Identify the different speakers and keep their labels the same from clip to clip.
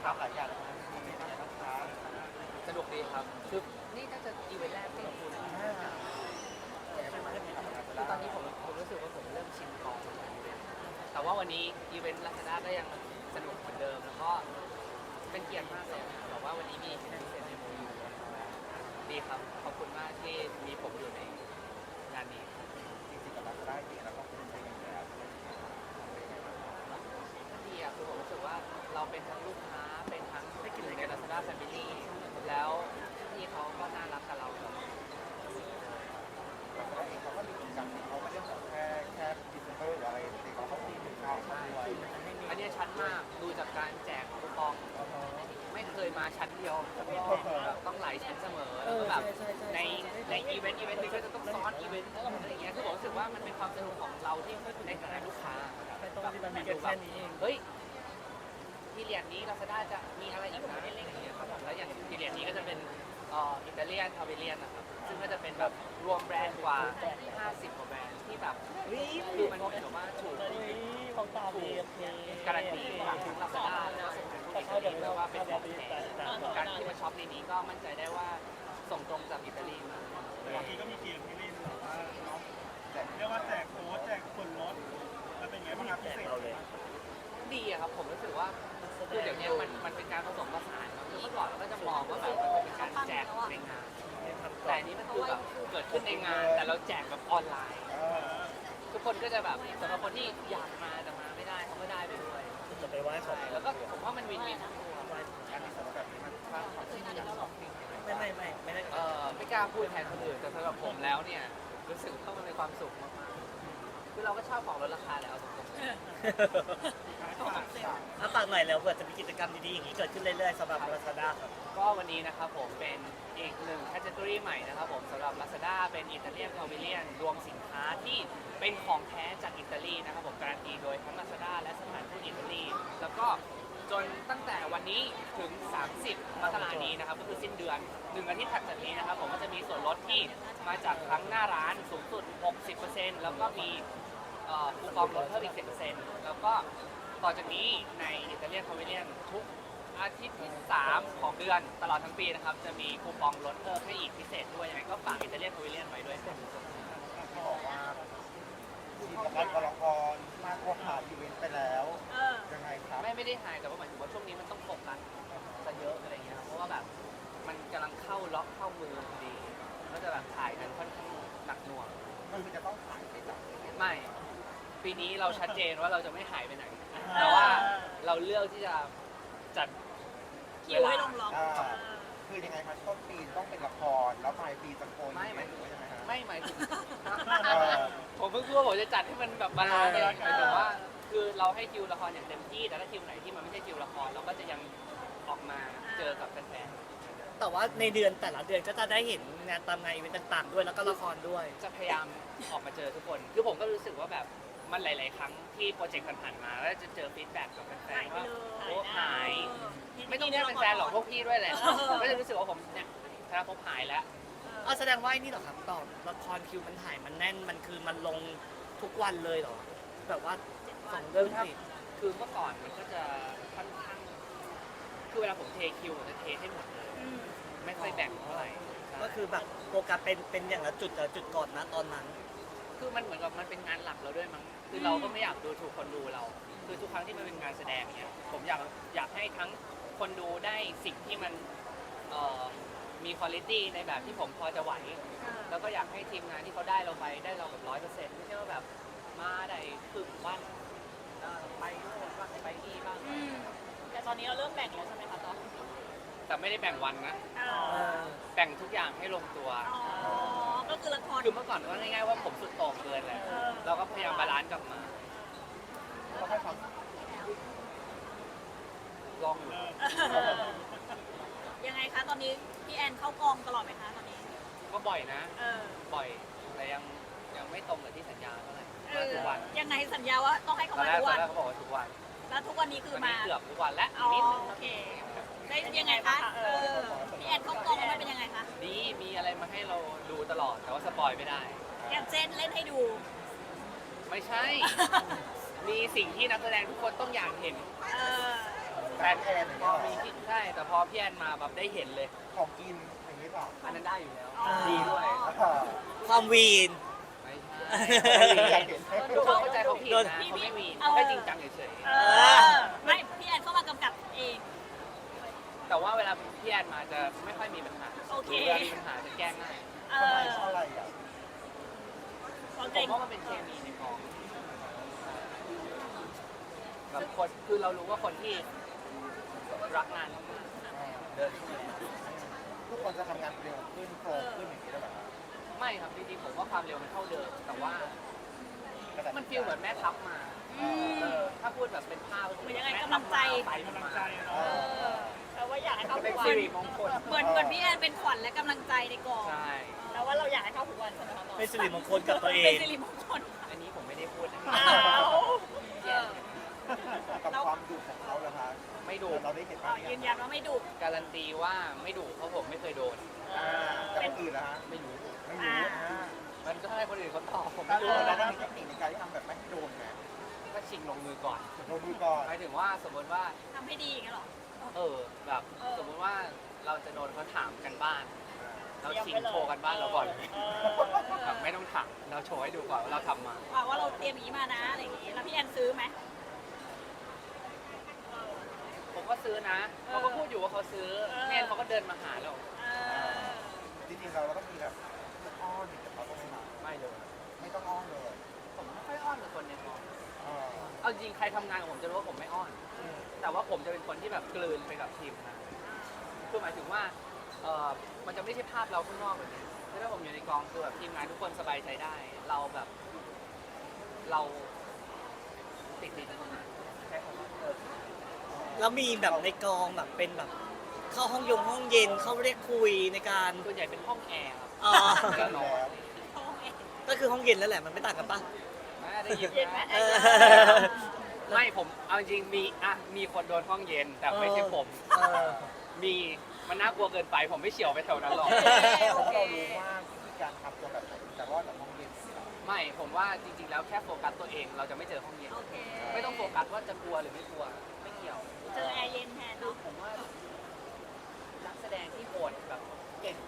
Speaker 1: ครับหลายอย่างมีอะไรบ้างครับ
Speaker 2: สนุกดีครับคือนี่น่าจะอีเวนต์แรกที่เราพูดนะคือตอนนี้ผมรู้สึกว่าผมเริ่มชินกองแต่ว่าวันนี้อีเวนต์ลาซาด้าก็ยังสนุกเหมือนเดิมแล้วก็เป็นเกียรติมากเลยบอกว่าวันนี้มีพิเศษในโมยูดีครับขอบคุณมากที่มีผมอยู่ในงานนี้
Speaker 1: จริงๆกับเราได้จริงแล้วก็คุณเป็นยังไงครับ
Speaker 2: ดีอ่ะคือผมรู้สึกว่าเราเป็นทั้งลูกค้าเป็นทั้งหนึ่งใน Lazada Family แล้วที่เขาก็น่ารักกับเราครับ
Speaker 1: แล้วเองเขาก็มีกิจกรรมเขาไม่ได้แบบแค่ดิจิทัลหรืออะไรแต่เขาก็มีถึงข่าวมาด้วย
Speaker 2: อันนี้ชัดมากดูจากการแจกคูปองไม่เคยมาชั้นเดียวต้องหลายชั้นเสมอแล้วก็แบบในอีเวนต์นี้ก็จะต้องซ้อนอีเวนต์อะไรอย่างเงี้ยคือผมรู้สึกว่ามันเป็นความสนุกของเราที่ในฐานะลูกค้าแบบเฮ้ยพีเรียดนี้ Lazada จะมีอะไรอีกนะอะไรอย่างเงี้ยครับผมแล้วอย่างพีเรียดนี้ก็จะเป็นอิตาเลียนพาเวเลียนนะครับซึ่งก็จะเป็นแบบรวมแบรนด์กว่า50 กว่าแบรนด์ที่แบบคือมันเป็นแบบว่าถูกการันตีจากทั้ง Lazada แล้วก็ส่งถึงผู้อิตาลีด้วยว่าเป็นของแท้การที่มาช็อปในนี้ก็มั่นใจได้ว่าส่งตรงจากอิตาลีมา
Speaker 3: บางทีก็มีเกมที่เล่นแบบว่าเนาะเรียกว่าแจกโค้ดแจกส่วนลดมันเป็นไงบ้างครับพิเศษ
Speaker 2: ดีอะครับผมรู้สึกว่าคือเดี๋ยวนี้มันเป็นการผสมผสานคือเมื่อก่อนเราก็จะมองว่าแบบมันเป็นการแจกในงานแต่อันนี้มันคือแบบเกิดขึ้นในงานแต่เราแจกแบบออนไลน์ทุกคนก็จะแบบสำหรับคนที่อยากมาแต่มาไม่ได้เขาก็ได้ไปด้วย
Speaker 4: จะไปไหว้ขอ
Speaker 2: แล้วก็ผมว่ามันวินวินทั้งตัว
Speaker 1: การที่สำหรับแบบนี้มันสร้างความสุขในการช็อปปิ้ง
Speaker 4: ไม่ได้
Speaker 2: ไม่กล้าพูดแทนคนอื่นแต่สำหรับผมแล้วเนี่ยรู้สึกว่ามันเป็นความสุขมากๆคือเราก็ชอบของลดราคาแหละเอาตรง
Speaker 4: ถ้าฝากหน่อยแล้วเผื่อจะมีกิจกรรมดีๆอย่างนี้เกิดขึ้นเรื่อยๆสำหรับ Lazada ครับ
Speaker 2: ก็วันนี้นะครับผมเป็นอีกหนึ่งแคตตากรีใหม่นะครับผมสำหรับ Lazada เป็นอิตาเลียนพาวิเลียนรวมสินค้าที่เป็นของแท้จากอิตาลีนะครับผมการันตีโดยทั้ง Lazada และสถานทูตอิตาลีแล้วก็จนตั้งแต่วันนี้ถึง 30 มกราคมนี้นะครับก็คือสิ้นเดือน1 อาทิตย์ถัดจากนี้นะครับผมก็จะมีส่วนลดที่มาจากทั้งหน้าร้านสูงสุด 60% แล้วก็มีคูปองลดเพิ่มอีก 10% แล้วก็ต่อจากนี้ในอิตาเลียนพาวิเลียนทุกอาทิตย์ที่ 3 ของเดือนตลอดทั้งปีนะครับจะมีคูปองลดเพิ่มให้อีกพิเศษด้วยยังไงก็ฝากอิตาเลียนพาวิเลียนไว้ด้วยครับ
Speaker 1: ที่บอกว่าทีมกับกรกรมากกว่าหาอีเวนต์ไปแล้วยังไงครับ
Speaker 2: ไม่ได้หายแต่ว่าหมายถึงว่าช่วงนี้มันต้องโฟกัสซะเยอะอะไรเงี้ยเพราะว่าแบบมันกำลังเข้าล็อกเข้ามือพอดีก็จะแบบถ่ายกันค่อนข้างหนักหน่วง
Speaker 1: มันคือจะต้องขายไปจาก
Speaker 2: ไม่ปีนี้เราชัดเจนว่าเราจะไม่หายไปไหนแต่ว่าเราเลือกที่จะจัด
Speaker 5: คิวให้ลงล็อก
Speaker 1: คือยังไงคะต้นปีต้องเป็นละครแล้วปลายปีจะโกน
Speaker 2: ไม่หมายถึง
Speaker 1: ยังไงฮะ
Speaker 2: ไม่หมายถึงผมเพิ่งพูดว่าผมจะจัดให้มันแบบบาลานซ์เลยหมายถึงว่าคือเราให้คิวละครอย่างเต็มที่แต่ถ้าคิวไหนที่มันไม่ใช่คิวละครเราก็จะยังออกมาเจอกับแฟน
Speaker 4: ๆแต่ว่าในเดือนแต่ละเดือนก็จะได้เห็นงานตามงานอีเวนต์ต่างๆด้วยแล้วก็ละครด้วย
Speaker 2: จะพยายามออกมาเจอทุกคนคือผมก็รู้สึกว่าแบบมันหลายๆครั้งที่โปรเจกต์ผ่านๆมาแล้วจะเจอฟีดแบ็กกับแฟนๆว่าโอ้หายไม่ต้องแค่แฟนๆหรอกพวกพี่ด้วยแหละก็จะรู้สึกว่าผมเนี่ยธนาภพหายแล้ว
Speaker 4: แสดงว่านี่หรอครับต่อละครคิวมันถ่ายมันแน่นมันคือมันลงทุกวันเลยเหรอแบบว่า2 เรื่องติด
Speaker 2: คือเมื่อก่อนมันก็จะค่อนข้างคือเวลาผมเทคิวผมจะเทให้หมดเลยไม่ค่อยแบ่งเท่าไหร่
Speaker 4: ก็คือแบบโฟกัสเป็นอย่างละจุดก่อนนะตอนนั้น
Speaker 2: คือมันเหมือนกับมันเป็นงานหลักเราด้วยมั้งคือเราก็ไม่อยากดูถูกคนดูเราคือทุกครั้งที่มันเป็นงานแสดงเนี่ยผมอยากให้ทั้งคนดูได้สิ่งที่มันมีคุณภาพในแบบที่ผมพอจะไหวแล้วก็อยากให้ทีมงานที่เขาได้เราแบบ 100%ไม่ใช่ว่าแบบมาได้ครึ่งวันไปโน่นบ้างไปนี่บ้าง
Speaker 5: แต่ตอนนี้เราเริ่มแบ่งแล้วใช่ไหมคะต๊อก
Speaker 2: แต่ไม่ได้แบ่งวันนะแบ่งทุกอย่างให้ลงตัว
Speaker 5: ก็คือละคร
Speaker 2: คือเมื่อก่อนก็ง่ายๆว่าผมสุดโต่งเกินแหละเราก็พยายามบาลานซ์กลับมา
Speaker 1: ก็ให้ความ
Speaker 2: ลองอยู่
Speaker 5: ยังไงคะตอนนี้พี่แอนเข้ากองตลอดไหมคะตอนนี้
Speaker 2: ก็บ่อยนะบ่อยแต่ยังไม่ตรงกับที่สัญญาเท่าไหร่ทุกวัน
Speaker 5: ยังไงสัญญาว่าต้องให้เขามาทุกวัน
Speaker 2: เขาบอกว่าทุกวัน
Speaker 5: แล้วทุกวันนี้คือมา
Speaker 2: เกือบทุกวันแล้ว
Speaker 5: นิดนึงโอเคได้ยังไงคะพี่แอนเข้ากองมันเป็นยังไงคะ
Speaker 2: ดีมีอะไรมาให้เราดูตลอดแต่ว่าสปอยไม่ได้
Speaker 5: อย่างเช่นเล่นให้ดู
Speaker 2: ไม่ใช่มีสิ่งที่นักแสดงทุกคนต้องอยากเห็น
Speaker 5: แฟ
Speaker 1: นแอนอย่างเงี้ยเหรอ
Speaker 2: มีที่ใช่แต่พอพี่แอนมาแบบได้เห็นเลย
Speaker 1: ของกินอย่างนี้เปล่า
Speaker 2: อันนั้นได้อยู่แล้ว
Speaker 5: อ๋อ
Speaker 2: ดีด้วย
Speaker 4: ความวีน
Speaker 2: ไม่
Speaker 1: อยา
Speaker 2: ใช่
Speaker 1: กเห็น
Speaker 2: ทุกคนเข้าใจเขาผิดนะเขาไม่มีเขาแค่จริงจังเฉย
Speaker 5: ไม่พี่แอนเข้ามากำกับเอง
Speaker 2: ๆแต่ว่าเวลาพี่แอนมาจะไม่ค่อยมีปัญหา
Speaker 5: โอเค
Speaker 2: หรือเวลามีปัญหาจะแก้ง่าย
Speaker 5: เอ
Speaker 1: ทำไม
Speaker 5: อ
Speaker 1: เพราะอะไรอ่ะ
Speaker 5: ของ
Speaker 2: ผ
Speaker 5: เก่
Speaker 2: ม
Speaker 5: ง
Speaker 2: ว่ามันเป็นเคมีในกองแบบคนคือเรารู้ว่าคนที่รักงานมากๆเดินเข้ามา
Speaker 1: ทุกคนจะทำงานเร็วขึ้นโปรขึ้นอย่างนี้ได้ไหม
Speaker 2: ไม่ครับจริงๆผมว่าความเร็วมันเท่าเดิม แต่ว่ามันฟีลเหมือนแม่ทัพมาถ้าพูดแบบเป็นภาพ
Speaker 5: เหมือนยังไงกำลังใจ
Speaker 2: ไป
Speaker 3: กำลัง
Speaker 2: มา
Speaker 3: ใจเนาะ
Speaker 5: แต่ว่าอยากให้เขา
Speaker 2: เป็น
Speaker 5: ทุกวั
Speaker 2: สิ
Speaker 5: น
Speaker 2: ริมงคล
Speaker 5: เหมือนพี่แอนเป็นขวัญและกำลังใจในกอง
Speaker 2: ใช่
Speaker 5: แล้วว่าเราอยากให้เขาทุกวันใช่ไหมคะ
Speaker 4: เป็นสิริมงคลกับตัวเอ
Speaker 5: เป็น
Speaker 4: ง
Speaker 5: สิริมงคล
Speaker 2: อันนี้ผมไม่ได้พูดนะ
Speaker 5: อ้าวเออ
Speaker 1: กับความดุของเขาเหรอคะ
Speaker 2: ไม่ดุ
Speaker 1: เราได้เห็น
Speaker 5: อ๋อยืนยันว่าไม่ดุ
Speaker 2: การันตีว่าไม่ดุเพราะผมไม่เคยโดน
Speaker 1: แต่คนอื่นนะฮะ
Speaker 2: ไม่รู้
Speaker 1: ไม่รู้
Speaker 2: มันก็ให้คนอื่นเขาตอบผม
Speaker 1: ถ้า
Speaker 2: ไม่
Speaker 1: รู้
Speaker 2: รู้
Speaker 1: เราต้องมีเทคนิคในการที่ทำแบบไม่ให้โดนไง
Speaker 2: ก็ชิงลงมือก่อน
Speaker 1: ลงมือก่อน
Speaker 2: หมายถึงว่าสมมติว่า
Speaker 5: ทำให้ดีอย่างเงี้ยเหรอ
Speaker 2: แบบ
Speaker 5: เออ
Speaker 2: สมมติว่าเราจะโดนเขาถามกันบ้าน เราชิงโชว์กันบ้านเราก่อนแบบไม่ต้องถามเราโชว์ให้ดูก่อนว่าเราทำมา
Speaker 5: ว่าเราเตรียมอย่างนี้มานะอะไรอย่างงี้แล้วพี่แอนซื้อไหม
Speaker 2: ผมก็ซื้อนะเขาก็พูดอยู่ว่าเขาซื้อแม่เขาก็เดินมาหาเรา
Speaker 5: เออ
Speaker 1: จริงๆเราต้องมีแบบอ้อนกับเขาต้องไม่มา
Speaker 2: ไม่เลย
Speaker 1: ไม่ต้องอ้อนเลย
Speaker 2: ผมไม่ค่อยอ้อนกับคนในกอง
Speaker 1: เออ
Speaker 2: เอาจริงใครทำงานกับผมจะรู้ว่าผมไม่อ้อน แต่ว่าผมจะเป็นคนที่แบบกลืนไปกับทีมงานคือหมายถึงว่ามันจะไม่ใช่ภาพเราข้างนอกแบบนี้คือถ้าผมอยู่ในกองคือแบบทีมงานทุกคนสบายใจได้ เราแบบ เราติดดินนะใช้คำว่า
Speaker 4: แล้วมีแบบในกองแบบเป็นแบบเข้าห้องเย็นเข้าเรียกคุยในการ
Speaker 2: ส่วนใหญ่เป็นห้องแอร์ครับ
Speaker 4: อ๋อ
Speaker 2: แล้วนอน
Speaker 4: ก็คือห้องเย็นแล้วแหละมันไม่ต่างกันปะ
Speaker 2: ได้ยิน
Speaker 5: เย็นไหม
Speaker 2: ไหม
Speaker 4: เออ
Speaker 2: ไม่ผมเอาจริงมีคนโดนห้องเย็น แต่ไม่ใช่ผม
Speaker 4: เออ
Speaker 2: มีมันน่ากลัวเกินไป ผมไม่เฉียวไปแถวนั้นหรอก
Speaker 1: เพราะเรารู้ว่าวิธีการทำตัวแบบไหนจะรอดจากห้องเย็น
Speaker 2: ไม่ผมว่าจริงๆแล้วแค่โฟกัสตัวเองเราจะไม่เจอห้องเย็น
Speaker 5: โอเค
Speaker 2: ไม่ต้องโฟกัสว่าจะกลัวหรือไม่กลัวไม่เกี่ยว
Speaker 5: เจอแอร์เย็นแทน
Speaker 2: คือ
Speaker 5: เนาะ
Speaker 2: ผมว่านักแสดงที่โหดแบบเก่ง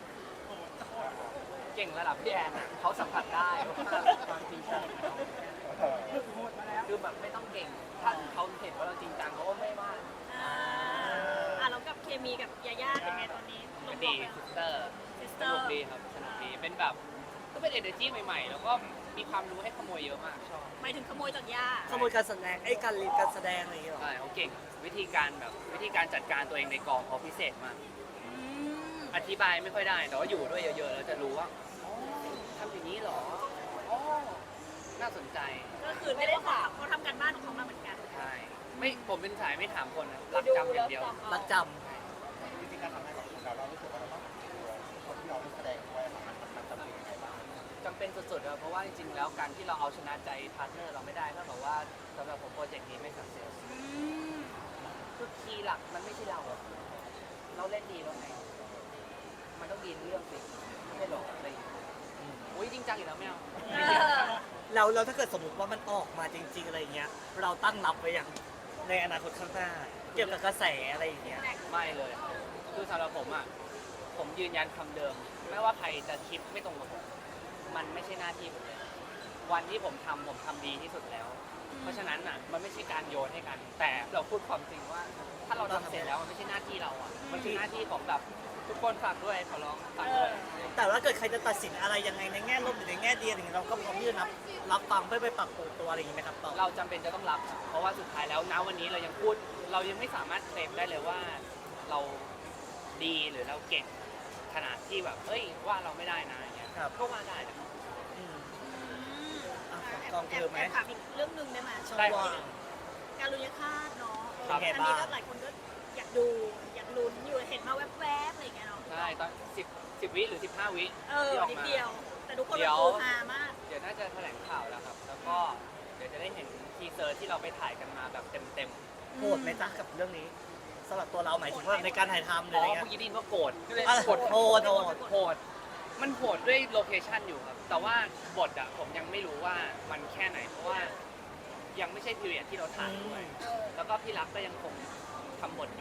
Speaker 2: ระดับพี่แอนอะเขาสัมผัสได้ว่าความจริงจังของเขาคือแบบไม่ต้องเก่งถ้าเขาเห็นว่าเราจริงจังเขาก็ไม่ว่า
Speaker 5: แล้วกับเคมีกับยาย่าเป็นไงตอนนี้ล
Speaker 2: ก็
Speaker 5: ง
Speaker 2: ดี
Speaker 5: ตัว
Speaker 2: ซิสเตอร์
Speaker 5: ซิส
Speaker 2: ส
Speaker 5: เตอ
Speaker 2: นุก
Speaker 5: ร์
Speaker 2: ดีครับสนุกดีเป็นแบบก็เป็น energy ใหม่ๆ แล้วก็มีความรู้ให้ขโมยเยอะมากชอบ
Speaker 5: หมายถึงขโมยจากย่า
Speaker 4: ขโมยการแสดงการเรียนการแสดงอะไรอย่างเงี้ยหรอ
Speaker 2: ใช่เขาเก่งวิธีการจัดการตัวเองในกองเขาพิเศษมาก อธิบายไม่ค่อยได้ แต่ว่าอยู่ด้วยเยอะๆแล้วจะรู้ว่าอ๋อทำอย่างนี้เหรออ๋อน่าสนใจ
Speaker 5: ก็คือไม่ได้ถามเขาทำการบ้านของเขามาเหมือนกัน
Speaker 2: ใช่ไม่ผมเป็นสายไม่ถามคนนะรักจำอย่างเดียว
Speaker 4: รักจ
Speaker 1: วิธีการทำงานของเรารู้สึกว่าเราต้องตัวคนที่เราแสดงด้วยมันจำเป็นยังไงบ้าง
Speaker 2: จำเป็นสุดๆครับเพราะว่าจริงๆแล้วการที่เราเอาชนะใจพาร์ทเนอร์เราไม่ได้ก็บอกว่าสำหรับผมโปรเจกต์นี้ไม่สักเซสคือคีย์หลักมันไม่ใช่เราอะเราเล่นดีแล้วไงมันต้องดีเรื่องสิไม่ใช่หรอกอะไรอย่างเงี้ยอุ้ยจริงจังอีกแล้วไม่เอา
Speaker 4: ำเราถ้าเกิดสมมติว่ามันออกมาจริง ๆอะไรอย่างเงี้ย เราตั้งรับไว้อย่างในอนาคตข้างหน้า เกี่ยวกับกระแสอะไรอย่างเงี้ย
Speaker 2: ไม่เลยคือสำหรับผมอ่ะผมยืนยันคำเดิม ไม่ว่าใครจะคิดไม่ตรงกับผมมันไม่ใช่หน้าที่ผมเลยวันที่ผมทำดีที่สุดแล้ว เพราะฉะนั้นอ่ะมันไม่ใช่การโยนให้กัน แต่เราพูดความจริงว่า ถ้าเราทำเสร็จแล้วมันไม่ใช่หน้าที่เราอ่ะมันคือหน้าที่ของแบบทุกคนฝากด้วยขอร้องฝากด้วย
Speaker 4: แต่ว่าเกิดใครจะตัดสินอะไรยังไงในแง่ลบหรือในแง่ดีอะไรอย่างเงี้ยเราก็พร้อมที่จะรับฟังเพื่อไปปรับปรุงตัวอะไรอย่างเงี้ยไหมครับต่อ
Speaker 2: เราจำเป็นจะต้องรับครับเพราะว่าสุดท้ายแล้วณวันนี้เรายังพูดเรายังไม่สามารถเคลมได้เลยว่าเราดีหรือเราเก่งขนาดที่แบบเฮ้ยว่าเราไม่ได้นะอย่างเงี้ย
Speaker 4: ครับ
Speaker 2: ก็ว่าได้นะครับ
Speaker 4: อืมอ่ะกองเธอไหม
Speaker 5: ถามอีกเรื่องหนึ่งได้ไหม
Speaker 4: ช่อง
Speaker 2: ได้
Speaker 4: ว่าง
Speaker 5: การลุยคาดเนาะ
Speaker 2: ครับ
Speaker 5: อันนี้ก็หลายคนก็อยากดูอยากลุ้นอยู่เห็นมาแวบๆอะไรอย่างเงี้ยเนาะ
Speaker 2: ใช่ตอน10วิหรือ15วิ
Speaker 5: นิด
Speaker 2: ที่ออกมา
Speaker 5: เดียว แต่ทุกคน
Speaker 2: เดี๋
Speaker 5: มัน
Speaker 2: ยว
Speaker 5: โูฮามาก
Speaker 2: เดี๋ยวน่าจะแถลงข่าวแล้วครับ แล้วก็เดี๋ยวจะได้เห็นทีเซอร์ที่เราไปถ่ายกันมาแบบเต็ม
Speaker 4: โหดไหมจ๊ะกับเรื่องนี้สำหรับตัวเราหมายถึงว่าในการถ่ายทำ
Speaker 2: ๆ
Speaker 4: หรือ
Speaker 2: อ๋
Speaker 4: อะไร
Speaker 2: อ
Speaker 4: เงี้ย
Speaker 2: เมื่อกี้ได้ยินว่าโกรธ
Speaker 4: อ่ะ
Speaker 2: โกรธ
Speaker 4: โหด
Speaker 2: โหดมันโหดด้วยโลเคชั่นอยู่ครับ แต่ว่าบทอะผมยังไม่รู้ว่ามันแค่ไหน เพราะว่ายังไม่ใช่พีเรียดที่เราถ่ายด้วย แล้วก็พี่รักก็ยังคงทำบท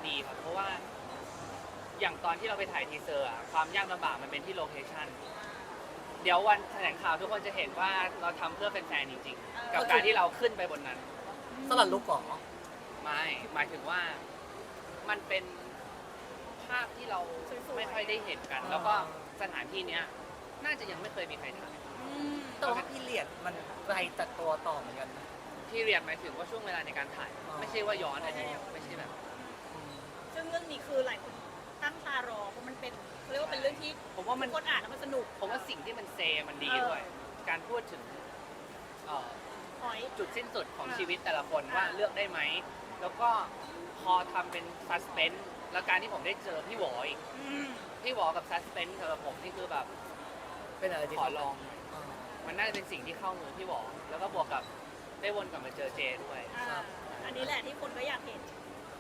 Speaker 2: ดีครับเพราะว่าอย่างตอนที่เราไปถ่ายทีเซอร์อะความยากลำบากมันเป็นที่โลเคชั่นเดี๋ยววันแถลงข่าวทุกคนจะเห็นว่าเราทำเพื่อแฟนๆจริงๆกับการที่เราขึ้นไปบนนั้น
Speaker 4: สลัดลูกก่อน
Speaker 2: ไม่หมายถึงว่ามันเป็นภาพที่เราไม่ค่อยได้เห็นกัน แล้วก็สถานที่เนี้ยน่าจะยังไม่เคยมีใครถ่าย
Speaker 4: แต่ว่าพี่เลียดมันไกลจากตัวต่อเหมือนกันนะ
Speaker 2: ที่เรียนหมายถึงว่าช่วงเวลาในการถ่าย
Speaker 4: อ๋อ
Speaker 2: ไม่ใช่ว่าย้อนอดีตไม่ใช่แบบ
Speaker 5: ซึ่งเรื่องนี้คือหลายคนตั้งตารอเพราะมันเป็นเขาเรียกว่าเป็นเรื่องที่
Speaker 2: ผมว่ามัน
Speaker 5: คนอ่านแล้วมันสนุก
Speaker 2: ผมว่าสิ่งที่มันเซมันดีด้วย การพูดถึงเอ่อ
Speaker 5: หอย
Speaker 2: จุดสิ้นสุดของชีวิตแต่ละคนว่าเลือกได้ไหม แล้วก็พอทำเป็นซัสเพนส์แล้วการที่ผมได้เจอพี่หวออีก พี่หวอกับซัสเพนส์สำหรับผมนี่คือแบบ
Speaker 4: เป็นอะไรที่
Speaker 2: ขอลอง
Speaker 4: อ่า
Speaker 2: มันน่าจะเป็นสิ่งที่เข้ามือพี่หวอแล้วก็บวกกับได้วนกลับมาเจอเจด้วย
Speaker 5: อันนี้แหละที่คนก็อยากเห็น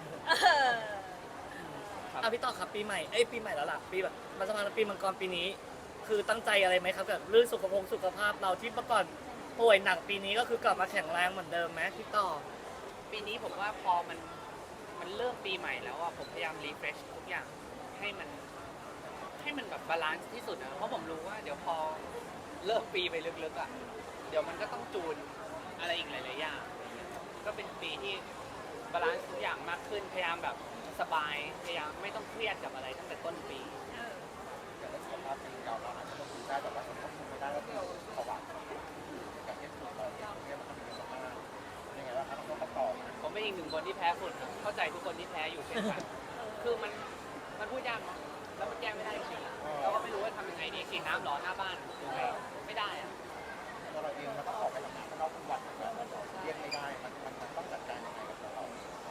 Speaker 2: ครับ
Speaker 4: อ่ะพี่ต่อครับปีใหม่ปีใหม่แล้วล่ะปีแบบมาสมัครปีมังกรปีนี้ คือตั้งใจอะไรไหมครับแบบเรื่องสุขภาพเราที่เมื่อก่อนป่วยหนักปีนี้ก็คือกลับมาแข็งแรงเหมือนเดิมไหมพี่ต่อ
Speaker 2: ปีนี้ผมว่าพอมันเริ่มปีใหม่แล้วอะผมพยายามรีเฟรชทุกอย่างให้มันแบบบาลานซ์ที่สุดนะเพราะผมรู้ว่าเดี๋ยวพอเริ่มปีไปลึกๆอะเดี๋ยวมันก็ต้องจูนอะไรอีกหลายๆอย่างก็เป็นปีที่บาลานซ์ทุกอย่างมากขึ้นพยายามแบบสบายพยายามไม่ต้องเครียดกับอะไรตั้งแต่ต้นปี
Speaker 1: อย่างสุขภาพเป็นเราอาจจะต้องคุมได้แต่ว่าสุขภาพคุมไม่ได้ก็คือภาวะอย่างที่ถูกเราเนี่ยมันทำเยอะมากยังไงว่าครับต้องประกอบ
Speaker 2: ผมเป็นอีกหนึ่งคนที่แพ้ฝุ่นครับเข้าใจทุกคนที่แพ้อยู่เช่นกันคือมันพูดยากเนาะแล้วมันแก้ไม่ได้จริงๆเราก็ไม่รู้ว่าทำยังไงดีฉีดน้ำร้อนหน้าบ้านยังไงไม่ได้อะ
Speaker 1: ตัวเราเองมันต้องออกไปทำงานข้างนอกทุกวันแบบเรียกไม่ได้มันต้องจัดการยังไงกับตัวเรา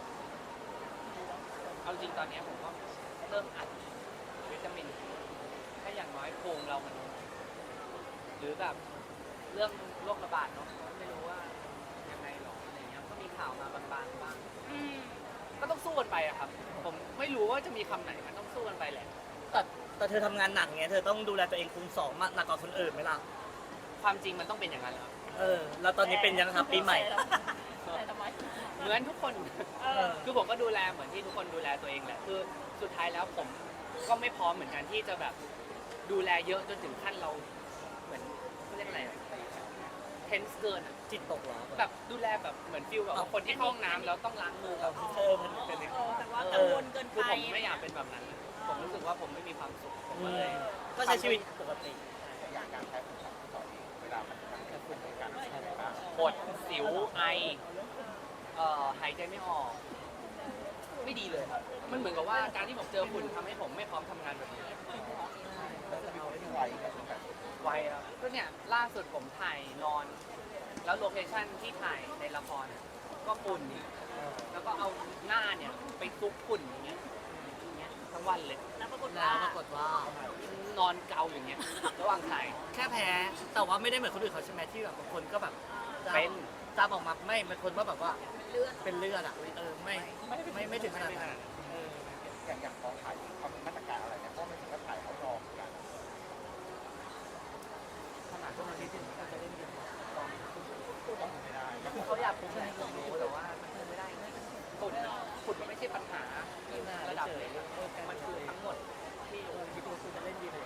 Speaker 2: เอาจริงตอนนี้ผมก็เริ่มอัดวิตามินถ้าอย่างน้อยภูมิเรามันหรือแบบเรื่องโรคระบาดเนาะไม่รู้ว่ายังไงหรออะไรเงี้ยก็มีข่าวมาบางๆบ้างก็ต้องสู้กันไปอะครับ ผมไม่รู้ว่าจะมีคำไหนมันต้องสู้กันไปแหละ
Speaker 4: แต่เธอทำงานหนักเงี้ยเธอต้องดูแลตัวเองคูณสองมากหนักกว่าคนอื่นไหมล่ะ
Speaker 2: ความจริงมันต้องเป็นอย่างนั้นแล้ว
Speaker 4: แล้วตอนนี้เป็นยังครับปีใหม่
Speaker 2: เหมือนทุกคน
Speaker 5: เออ
Speaker 2: คือผมก็ดูแลเหมือนที่ทุกคนดูแลตัวเองแหละคือสุดท้ายแล้วผมก็ไม่พร้อมเหมือนกันที่จะแบบดูแลเยอะจนถึงขั้นเราเหมือนเขาเรียกอะไรเทนส์เกินอะ
Speaker 4: จิตตกเหรอ
Speaker 2: แบบดูแลแบบเหมือนฟิลแบบว่าคนที่เข้าห้องน้ำแล้วต้องล้างมือแบบ
Speaker 4: มันเป็นอย่าง
Speaker 5: แต่ว่ากังวลเกิน
Speaker 2: คือ
Speaker 5: ไป
Speaker 2: ผมไม่อยากเป็นแบบนั้น ผมรู้สึกว่าผมไม่มีความสุขผมก็เลย
Speaker 4: ก็ใช้ชีวิตปกติ
Speaker 1: อย่างการใช้ของต่อเองเวลามันเกิดการใช้บ้าง
Speaker 2: ปวดสิวไอหายใจไม่ออกไม่ดีเลยครับมันเหมือนกับว่าการที่ผมเจอฝุ่นทำให้ผมไม่พร้อมทำงานแบบนี้
Speaker 1: แล้วจะมีคนที่ไวก็คือแบบ
Speaker 2: ไวครับก็เนี่ยล่าสุดผมถ่ายนอน แล้วโลเคชั่นที่ถ่ายในละครเนี่ยก็ฝุ่นแล้วก็เอาหน้าเนี่ยไปซุกฝุ่นอย่างเงี้ยทั้งวันเลย
Speaker 5: แล้วปรากฏ
Speaker 4: แล้
Speaker 5: ว่า
Speaker 4: วปรากฏว่า
Speaker 2: นอนเกาอย่างเงี้ยระหว่างถ่าย
Speaker 4: แค่แพ้ แต่ว่าไม่ได้เหมือนคนอื่นเขาใช่ไหมที่แบบบางคนก็แบบจาม
Speaker 2: เป็น
Speaker 4: จามออกมาไม่เป็นคนว่าแบบว่า
Speaker 5: เลือด
Speaker 4: เป็นเลือดอ่ะไม่ถึงขนาดนั้น
Speaker 1: อย่างกองถ่ายเขามีมาตรการอะไรเนี่ยเพราะมันถึงก็ถ่ายเขารอเหมือนกัน
Speaker 4: ขนาดพวกนั้นที่ถึงเขาจะเล่นเกม
Speaker 1: ต้องไม่ได้
Speaker 2: คือเขาอยากคุมให้ผมรู้แต่ว่ามันคุมไม่ได้ฝุ่นมันไม่ใช่ปัญหาระดับเลยมันคือทั้งหมดที่
Speaker 4: คิดว่าคุณจะเล่นดีเลย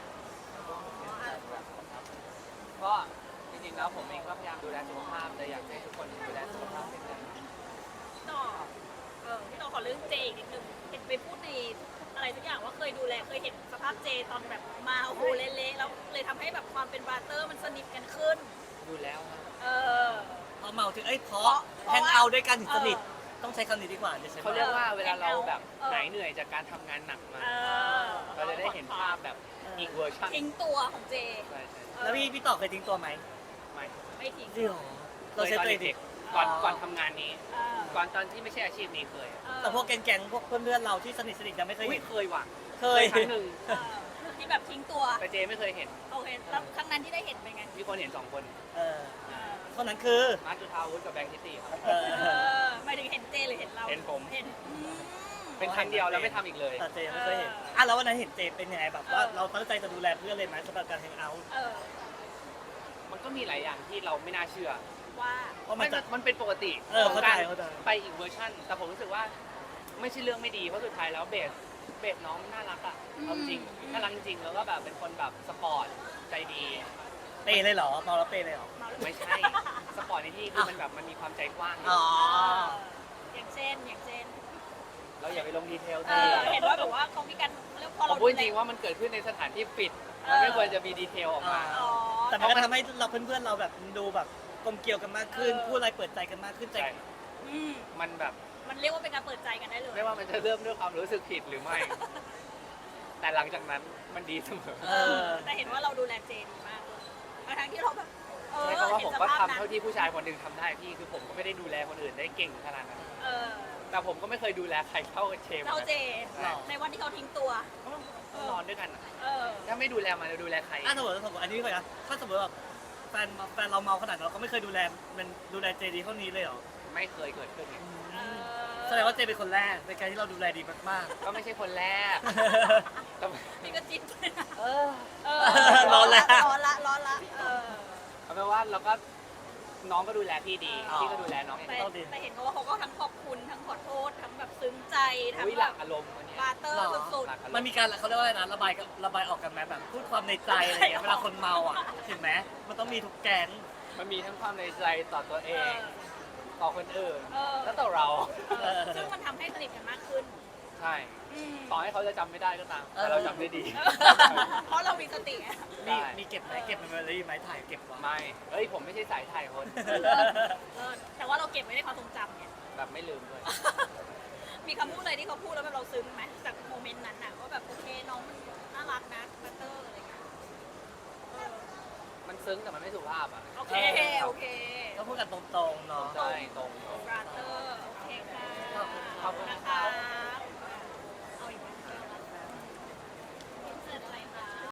Speaker 2: ก็จริงๆแล้วผมเองก็พยายามดูแลสุขภาพเลยอยากให้ทุกคนดูแลสุขภาพเป็นกัน
Speaker 5: ต่อพี่ต่อขอเรื่องเจอีกนิดนึงเห็นไปพูดในอะไรทุกอย่างว่าเคยดูแลเคยเห็นสภาพเจตอนแบบมาโอ้โหเละๆแล้วเลยทำให้แบบความเป็นบราเตอร์มันสนิทกันขึ้น
Speaker 2: ดูแล้วครับ
Speaker 5: เออ
Speaker 4: พอเมาถึงเพราะ
Speaker 5: เพราะ
Speaker 4: แฮงเอาท์ด้วยกันถึงสนิทต้องใช้คำนี้ดีกว่าจะใช้
Speaker 2: เขาเรียกว่าเวลาเราแบบหายเหนื่อยจากการทำงานหนักมา
Speaker 5: เออ
Speaker 2: เราจะได้เห็นภาพแบบอีกเวอร์ชัน
Speaker 5: ทิ้งตัวของเจ
Speaker 2: ใช่
Speaker 4: แล้วพี่ต่อเคยทิ้งตัวไหม
Speaker 2: ไม่
Speaker 5: ไม่ทิ้ง
Speaker 4: จริงเหรอเรา
Speaker 2: เคย
Speaker 4: ใช้
Speaker 2: ตอน
Speaker 4: ตัวเองดิ
Speaker 2: เด็กๆก่อนทำงานนี้
Speaker 5: เออ
Speaker 2: ก่อนตอนที่ไม่ใช่อาชีพนี้เคย
Speaker 4: แต่พวกแก๊งๆพวกเพื่อนๆเราที่สนิทยังไม่เคย
Speaker 2: อุ้ย
Speaker 4: เห็น
Speaker 2: เคยว่ะ
Speaker 4: เคย
Speaker 2: ครั้งหนึ่ง
Speaker 5: เออที่แบบทิ้งตัว
Speaker 2: แต่เจไม่เคยเห็น
Speaker 5: โอเคแล้วครั้งนั้นที่ได้เห็นเป็นไง
Speaker 2: มีคนเห็น2 คน
Speaker 4: เออ
Speaker 5: เออ
Speaker 4: คนนั้นคือ
Speaker 2: มาร์คจุธาวุฒิกับแบงค์ทิตตี้ครับ
Speaker 4: เออ
Speaker 5: หมายถึงเห็นเจหรือเห็นเรา
Speaker 2: เห็นผม
Speaker 5: เห็น
Speaker 2: เป็นครั้งเดียวแล้วไม่ทำอีกเลย
Speaker 4: แต่เจไม่เคยเห็นแล้ววันนั้นเห็นเจเป็นยังไงแบบว่าเราตั้งใจจะดูแลเพื่อนเลยไหมสำหรับการแฮงเอาท์
Speaker 5: เออ
Speaker 2: มันก็มีหลายอย่างที่เราไม่น่าเชื่อ
Speaker 5: ว่า
Speaker 4: เพราะมันจะ
Speaker 2: มันเป็นปกติ
Speaker 4: เออ
Speaker 2: ของการ
Speaker 4: เข้าใจ
Speaker 2: ไปอีกเวอร์ชันแต่ผมรู้สึกว่าไม่ใช่เรื่องไม่ดีเพราะสุดท้ายแล้วเบสน้องน่ารักอ่ะเอาจริงน่ารักจริงแล้วก็แบบเป็นคนแบบสปอร์ตใจดี
Speaker 4: เปย์เลยเหรอเมาแล้วเปย์เลยเหรอ
Speaker 5: เมาแล้ว
Speaker 2: ไม่ใช่สปอร์ตในที่คือมันแบบมันมีความใจกว้าง
Speaker 4: อ๋อ
Speaker 5: อย่างเช่น
Speaker 2: เราอย่าไปลงดีเทล
Speaker 5: เห็นว่าแบบว่าเขามีการเรียกพอ
Speaker 2: ผ
Speaker 5: เรา
Speaker 2: มพูดจริงว่ามันเกิดขึ้นในสถานที่ปิดมันไม่ควรจะมีดีเทลออกมา
Speaker 5: อ๋อ
Speaker 4: แต่มันก็ทำให้เราเพื่อนๆเราแบบดูแบบกลมเกลียวกันมากขึ้น พูดอะไรเปิดใจกันมากขึ้นใจ
Speaker 2: ใช่
Speaker 5: อืม
Speaker 2: มันแบบ
Speaker 5: มันเรียกว่าเป็นการเปิดใจกันได้เลย
Speaker 2: ไม่ว่ามันจะเริ่มด้วยความรู้สึกผิดหรือไม่ แต่หลังจากนั้นมันดีเสมอ
Speaker 4: เออ
Speaker 5: แต่เห็นว่าเราดูแลเจดีมากเลยทั้งที่เราแบบเออ
Speaker 2: ใช่เพราะว่า
Speaker 5: เห็
Speaker 2: ผ
Speaker 5: น
Speaker 2: ม
Speaker 5: ส
Speaker 2: ก็
Speaker 5: ภาพ
Speaker 2: ทำ
Speaker 5: นั้น
Speaker 2: เท่าที่ผู้ชายคนหนึ่งทำได้พี่คือผมก็ไม่ได้ดูแลคนอื่นได้เก่งขนาดนั้น
Speaker 5: เออ
Speaker 2: แต่ผมก็ไม่เคยดูแลใครเท่าเชม
Speaker 5: เราเจ
Speaker 4: หรอ
Speaker 5: ในวันที่เขาทิ้งตัว
Speaker 2: ต้องนอนด้วยกันอะ
Speaker 5: เออ
Speaker 2: ถ้าไม่ดูแลมันจะดูแลใคร
Speaker 4: ถ้าสมมติอันนี้ก่อนนะถ้าสมมติแบบแฟนเราเมาขนาดนั้นเราก็ไม่เคยดูแลมันดูแลเจดีเท่านี้เลยเหรอ
Speaker 2: ไม่เคยเกิดขึ้นไง
Speaker 5: เออ
Speaker 4: แสดงว่าเจเป็นคนแรกในการที่เราดูแลดีมาก
Speaker 2: ก็ไม่ใช่คนแรก
Speaker 4: ๆ
Speaker 2: แต่
Speaker 5: นี่ก็จิ้นเลยนะ
Speaker 2: เออ
Speaker 5: เออ
Speaker 4: ร้อนละ
Speaker 5: ร้อนละเออ
Speaker 2: เอาเป็นว่าเราก็น้องก็ดูแลพี่ดี
Speaker 4: อ๋อ
Speaker 2: พี่ก็ดูแลน้องอย่าง
Speaker 5: แต่
Speaker 2: ดี
Speaker 4: ต้องดี
Speaker 5: แต่เห็นเขาว่าเขาก็ทั้งขอบคุณทั้งขอโทษทั้งแบบซึ้งใจทั้ง
Speaker 2: อุ้ยห
Speaker 5: แบ
Speaker 2: ลั
Speaker 5: บ
Speaker 2: กอารมณ์วันนี้
Speaker 5: บาร์เตอร์
Speaker 4: หรอ
Speaker 5: สุด
Speaker 2: หลักอารม
Speaker 4: มัน
Speaker 2: ณ์
Speaker 4: มีการเขาเรียกว่าอะไรนะระบายออกกันไหมแบบพูดความในใจอะไรอย่างเงี้ยเวลาคนเมาอ่ะเห็นไหมมันต้องมีทุกแก๊ง
Speaker 2: มันมีทั้งความในใจต่อตัวเอ
Speaker 5: ๆ
Speaker 2: ง ต่อคนอื่น
Speaker 5: เออ
Speaker 2: แล้วต่อเรา
Speaker 5: ซึ่งมันทำให้สนิทกันมากขึ้น
Speaker 2: ใช่
Speaker 5: อืม
Speaker 2: ต่อให้เขาจะจำไม่ได้ก็ตาม แต่เราจำได้ดี
Speaker 5: เพราะเรามีสติไง
Speaker 4: มีเก็บไหมเก็บเมมโมรี่ไหมถ่ายเก็บไว้
Speaker 2: ไม่เอ้ยผมไม่ใช่สายถ่ายคน
Speaker 5: เออแต่ว่าเราเก็บไว้ในความทรงจำไง
Speaker 2: แบบไม่ลืมด้วย
Speaker 5: มีคำพูดอะไรที่เขาพูดแล้วแบบเราซึ้งไหมจากโมเมนต์นั้นน่ะว่าแบบโอเคน้องมันน่ารักนะบัตเตอร์อะไรเงี้ยเออ
Speaker 2: มันซึ้งแต่มันไม่สุภาพอ่ะ
Speaker 5: โอเคโอเค
Speaker 4: ก็พูดกันตรงๆเนาะ
Speaker 2: ใช่ตรง
Speaker 5: บัตเตอร์